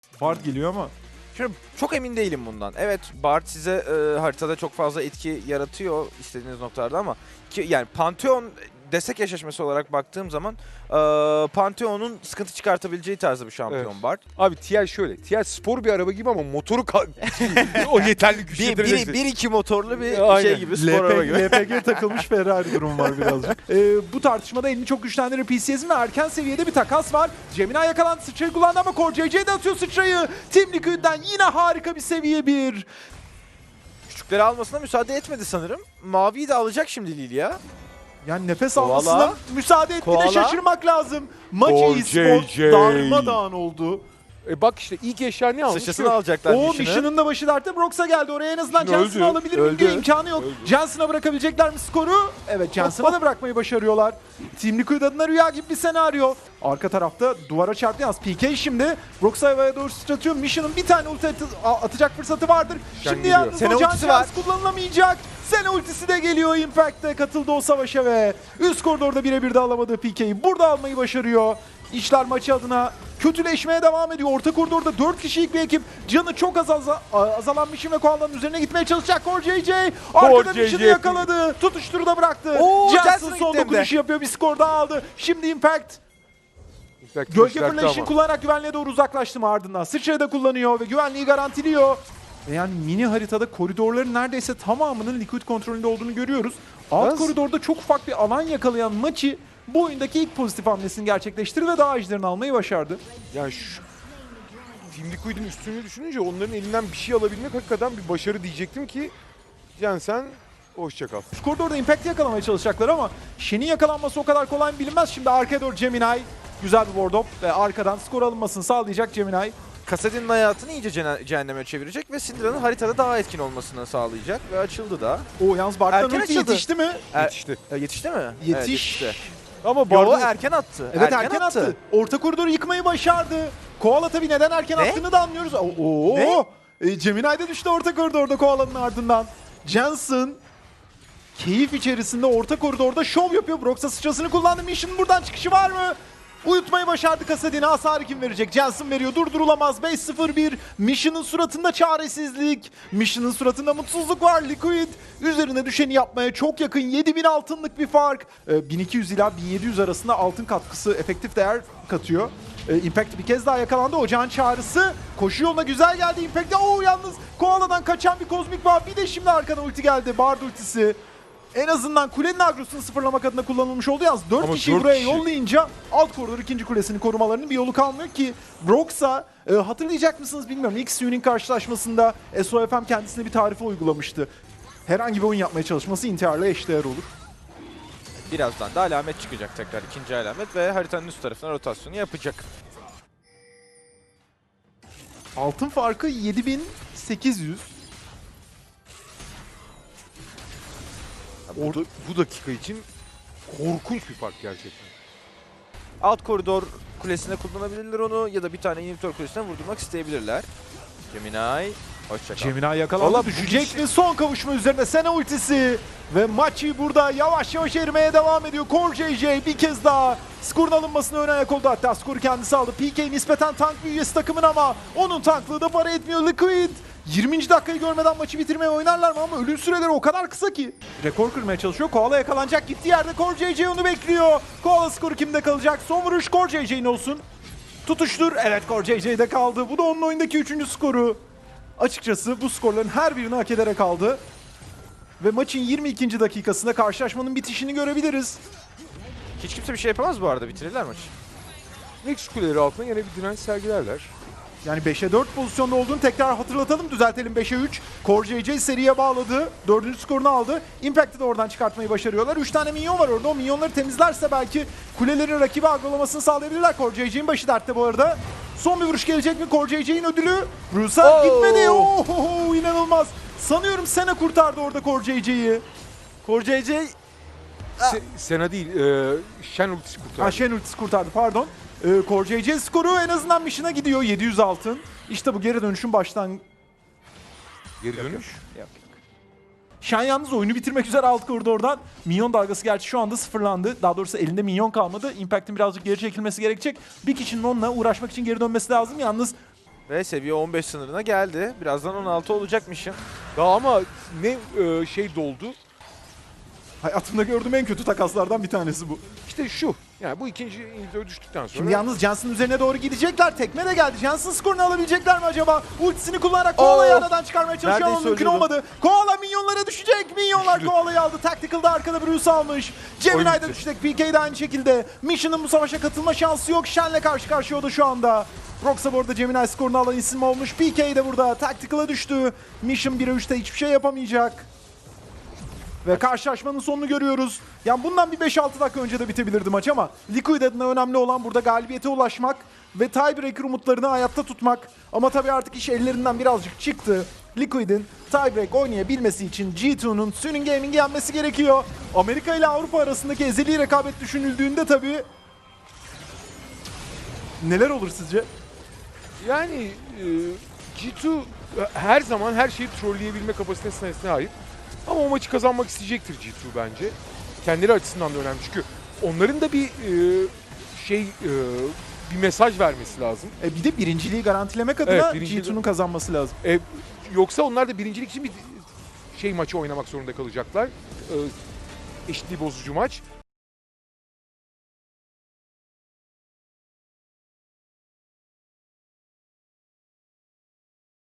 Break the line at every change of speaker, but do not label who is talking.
Bard geliyor ama.
Şimdi çok emin değilim bundan. Evet, Bard size haritada çok fazla etki yaratıyor istediğiniz noktalarda ama yani Pantheon destek eşleşmesi olarak baktığım zaman Pantheon'un sıkıntı çıkartabileceği tarzda bir şampiyon
Evet.
Bard.
Abi TL şöyle. TL spor bir araba gibi ama motoru o yeterli güç getireceksin.
1-2 motorlu bir
Aynen.
şey gibi, spor araba gibi.
LPG takılmış Ferrari durumu var birazcık. Bu tartışmada elini çok güçlendirir PCS'in ve erken seviyede bir takas var. Gemini yakalandı, sıçrayı kullandı ama Core JJ de atıyor sıçrayı. Team Liquid'den yine harika bir seviye 1.
Küçükleri almasına müsaade etmedi sanırım. Mavi'yi de alacak şimdi Lilia.
Yani nefes
Koala.
almasına müsaade etti de
Koala.
şaşırmak lazım. Maç
Core
e-sport
JJ.
darmadağın oldu.
Bak işte ilk eşya ne almış?
Sıçrasını alacaklar
O
Mission'ı.
Mission'ın da başı dertte. Brox'a geldi. Oraya en azından
Mission
Jensen'ı
öldü.
alabilir miyim diye
Öldü.
imkanı yok.
Öldü.
Jensen'a bırakabilecekler mi skoru? Evet, Jensen'a da bırakmayı başarıyorlar. Team Liquid adına rüya gibi bir senaryo. Arka tarafta duvara çarptı yalnız. PK şimdi Brox'u havaya doğru sıçratıyor. Mission'ın bir tane ulti atacak fırsatı vardır.
Mission
Şimdi
geliyor.
yalnız
Sene
o can
ultisi var.
şans kullanılamayacak. Sene ultisi de geliyor. Impact'te katıldı o savaşa ve üst koridorda birebir de alamadığı PK'yi burada almayı başarıyor. İşler maçı adına kötüleşmeye devam ediyor. Orta koridorda 4 kişilik bir ekip. Canı çok azalan Mission ve Koala'nın üzerine gitmeye çalışacak. Core JJ arkada
JJ.
Mission'ı yakaladı. Tutuşturu da bıraktı.
Oo,
Jensen
Jensen
son
gitti hem de.
dokunuşu yapıyor. Bir skor daha aldı. Şimdi Impact gölge fırlayışını kullanarak güvenliğe doğru uzaklaştı mı ardından. Sıçrayı da kullanıyor ve güvenliği garantiliyor. Ve yani mini haritada koridorların neredeyse tamamının Liquid kontrolünde olduğunu görüyoruz. Alt
Yalnız-
koridorda çok ufak bir alan yakalayan Machi bu oyundaki ilk pozitif hamlesini gerçekleştirdi ve daha ejderini almayı başardı.
Yani şu Team Liquid'in üstünlüğü düşününce onların elinden bir şey alabilmek hakikaten bir başarı diyecektim ki Jensen hoşça kal.
Şu koridorda Impact'i yakalamaya çalışacaklar ama Shen'in yakalanması o kadar kolay mı bilinmez. Şimdi arkaya doğru Gemini güzel bir ward up ve arkadan skor alınmasını sağlayacak Gemini.
Kassadin'in hayatını iyice cehenneme çevirecek ve Syndra'nın haritada daha etkin olmasını sağlayacak ve açıldı da.
O yalnız Bart'tan
Erken
ulti
açıldı.
yetişti mi?
Yetişti.
Yetişti mi? Evet,
Yetişti.
Ama
Yo,
Bard'ın
erken attı.
Evet erken attı. Orta koridoru yıkmayı başardı. Koala tabii neden erken
Ne?
attığını da anlıyoruz. Oo. Gemini de düştü orta koridorda Koala'nın ardından. Jensen keyif içerisinde orta koridorda şov yapıyor. Brox'a sıçrasını kullandı. Mission'ın buradan çıkışı var mı? Uyutmayı başardı Kassadin'e. Hasarı kim verecek? Jensen veriyor. Durdurulamaz. 5-0-1. Mission'ın suratında çaresizlik. Mission'ın suratında mutsuzluk var. Liquid üzerine düşeni yapmaya çok yakın. 7000 altınlık bir fark. 1200 ila 1700 arasında altın katkısı efektif değer katıyor. Impact bir kez daha yakalandı. Ocağın çağrısı. Koşu yoluna güzel geldi Impact'e. Yalnız Koala'dan kaçan bir kozmik var. Bir de şimdi arkadan ulti geldi. Bard ultisi. En azından kulenin agrosunu sıfırlamak adına kullanılmış oldu. Yalnız 4
Ama
kişiyi
4
buraya
kişi.
yollayınca alt koridor ikinci kulesini korumalarının bir yolu kalmıyor ki Brox'a hatırlayacak mısınız bilmiyorum. X-Su'nun karşılaşmasında SOFM kendisine bir tarife uygulamıştı. Herhangi bir oyun yapmaya çalışması intiharla eşdeğer olur.
Birazdan da alamet çıkacak tekrar, ikinci alamet ve haritanın üst tarafına rotasyonu yapacak.
Altın farkı 7800.
bu dakika için korkunç bir fark gerçekten.
Alt koridor kulesine kullanabilirler onu ya da bir tane inhibitor kulesine vurdurmak isteyebilirler. Gemini, hoşça kal.
Gemini yakalandı.
Valla bu
Düşecek
kişi-
mi? Son kavuşma üzerine Sena ultisi. Ve maçı burada yavaş yavaş erimeye devam ediyor. Core JJ bir kez daha skorun alınmasına ön ayak oldu. Hatta skoru kendisi aldı. PK nispeten tank bir üyesi takımın ama onun tanklığı da para etmiyor. Liquid 20. dakikayı görmeden maçı bitirmeye oynarlar mı ama ölüm süreleri o kadar kısa ki. Rekor kırmaya çalışıyor. Koala yakalanacak. Gittiği yerde Core JJ onu bekliyor. Koala skoru kimde kalacak? Son vuruş Core JJ'nin olsun. Tutuştur. Evet, Core JJ'de kaldı. Bu da onun oyundaki 3. skoru. Açıkçası bu skorların her birini hak ederek aldı. Ve maçın 22. dakikasında karşılaşmanın bitişini görebiliriz.
Hiç kimse bir şey yapamaz bu arada, bitirirler maçı.
Nex kuleleri altına yine bir direnç sergilerler.
Yani 5'e 4 pozisyonda olduğunu tekrar hatırlatalım. Düzeltelim, 5'e 3. Core JJ seriye bağladı. 4. skorunu aldı. Impact'i de oradan çıkartmayı başarıyorlar. 3 tane minyon var orada. O minyonları temizlerse belki kulelerin rakibi agrolamasını sağlayabilirler. Core JJ'in başı dertte bu arada. Son bir vuruş gelecek mi? Core JJ'in ödülü. Bruce'a gitmedi. Oh, inanılmaz. Sanıyorum Sena kurtardı orada Core JJ'yi.
Core JJ
Sena değil, Shen ultisi kurtardı.
Shen ultisi kurtardı, pardon. Core JJ skoru en azından Mission'a gidiyor. 700 altın. İşte bu geri dönüşün
Geri dönüş.
Shen yalnız oyunu bitirmek üzere alt koridordan. Minyon dalgası gerçi şu anda sıfırlandı. Daha doğrusu elinde minyon kalmadı. Impact'in birazcık geri çekilmesi gerekecek. Bir kişinin onunla uğraşmak için geri dönmesi lazım. Yalnız
Ve seviye 15 sınırına geldi. Birazdan 16 olacakmışım.
Daha ama ne şey doldu.
Hayatımda gördüğüm en kötü takaslardan bir tanesi bu.
İşte şu. Yani bu ikinci inhibitör düştükten sonra.
Şimdi yalnız Jensen üzerine doğru gidecekler. Tekme de geldi. Jensen skorunu alabilecekler mi acaba? Ultisini kullanarak Koala'yı aradan çıkarmaya çalışıyor ama
Neredeyse
mümkün
ölüyordu.
olmadı. Koala minyonlara düşecek. Minyonlar
Düştü.
Koala'yı aldı. Tactical'da arkada Bruce almış. Gemini de
bitti.
düşecek. PK de aynı şekilde. Mission'ın bu savaşa katılma şansı yok. Shen'le karşı karşıya o da şu anda. Roxa bu arada Gemini skorunu alan isim olmuş. PK de burada. Tactical'a düştü. Mission 1'e 3'te hiçbir şey yapamayacak. Ve karşılaşmanın sonunu görüyoruz. Yani bundan bir 5-6 dakika önce de bitebilirdi maç ama Liquid adına önemli olan burada galibiyete ulaşmak ve tiebreaker umutlarını hayatta tutmak. Ama tabii artık iş ellerinden birazcık çıktı. Liquid'in tiebreak oynayabilmesi için G2'nun Suning Gaming'i yenmesi gerekiyor. Amerika ile Avrupa arasındaki ezeli rekabet düşünüldüğünde tabii neler olur sizce?
Yani G2 her zaman her şeyi trolleyebilme kapasitesine sahip. Ama o maçı kazanmak isteyecektir G2 bence. Kendileri açısından da önemli çünkü onların da bir bir mesaj vermesi lazım.
Bir de birinciliği garantilemek adına
Evet, birinciliği-
G2'nun kazanması lazım.
Yoksa onlar da birincilik için bir maçı oynamak zorunda kalacaklar. Eşitliği bozucu maç.